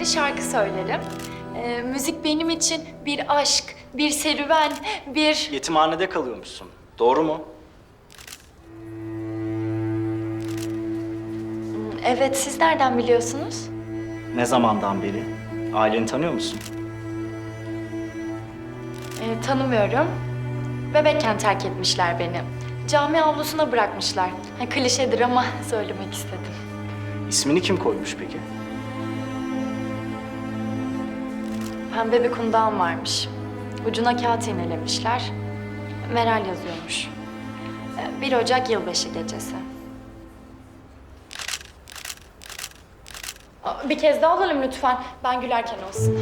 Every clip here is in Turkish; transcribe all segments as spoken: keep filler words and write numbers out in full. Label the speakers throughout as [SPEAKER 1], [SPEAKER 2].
[SPEAKER 1] de şarkı söylerim. Ee, müzik benim için bir aşk, bir serüven, bir...
[SPEAKER 2] Yetimhanede kalıyormuşsun. Doğru mu?
[SPEAKER 1] Evet, siz nereden biliyorsunuz?
[SPEAKER 2] Ne zamandan beri? Aileni tanıyor musun?
[SPEAKER 1] Ee, tanımıyorum. Bebekken terk etmişler beni. Cami avlusuna bırakmışlar. Ha, klişedir ama söylemek istedim.
[SPEAKER 2] İsmini kim koymuş peki?
[SPEAKER 1] Pembe bir kundağım varmış. Ucuna kağıt iğnelemişler. Meral yazıyormuş. Ee, bir Ocak yılbaşı gecesi. Aa, bir kez daha alalım lütfen. Ben gülerken olsun.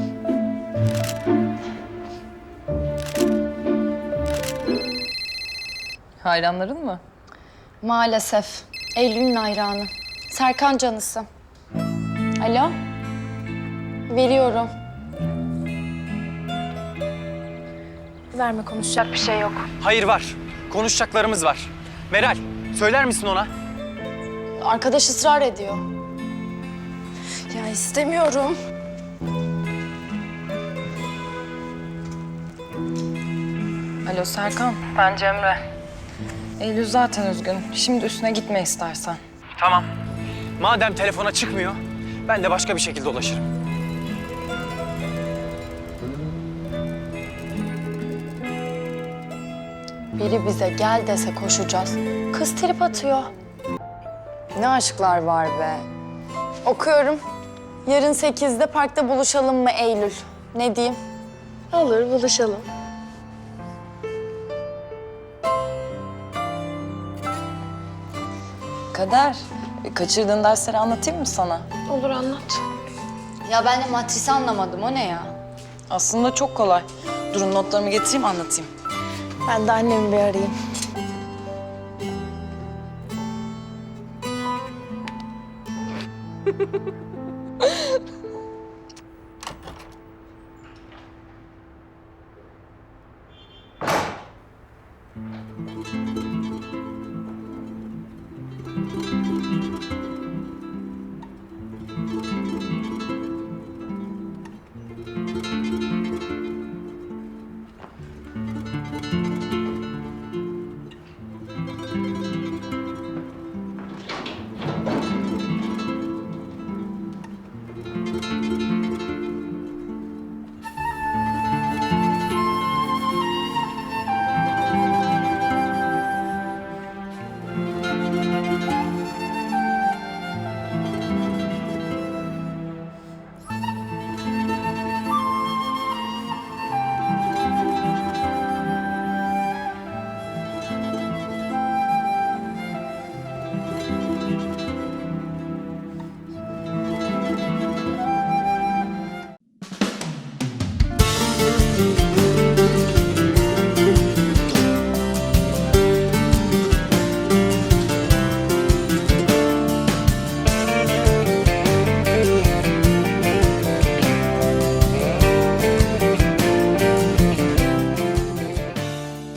[SPEAKER 3] Hayranların mı?
[SPEAKER 4] Maalesef. Eylül'ün hayranı. Serkan canısı. Alo? Veriyorum. Verme, konuşacak bir şey yok.
[SPEAKER 5] Hayır var. Konuşacaklarımız var. Meral, söyler misin ona?
[SPEAKER 4] Arkadaş ısrar ediyor. Ya istemiyorum.
[SPEAKER 3] Alo Serkan. Ben Cemre. Eylül zaten üzgün. Şimdi üstüne gitme istersen.
[SPEAKER 5] Tamam. Madem telefona çıkmıyor, ben de başka bir şekilde ulaşırım.
[SPEAKER 4] Biri bize gel dese koşacağız. Kız trip atıyor. Ne aşklar var be. Okuyorum. Yarın sekizde parkta buluşalım mı Eylül? Ne diyeyim? Olur, buluşalım.
[SPEAKER 3] Kader, kaçırdığın dersleri anlatayım mı sana?
[SPEAKER 4] Olur, anlat. Ya ben de matrisi anlamadım. O ne ya?
[SPEAKER 3] Aslında çok kolay. Durun notlarımı getireyim anlatayım.
[SPEAKER 4] Ben de annemi bir arayayım.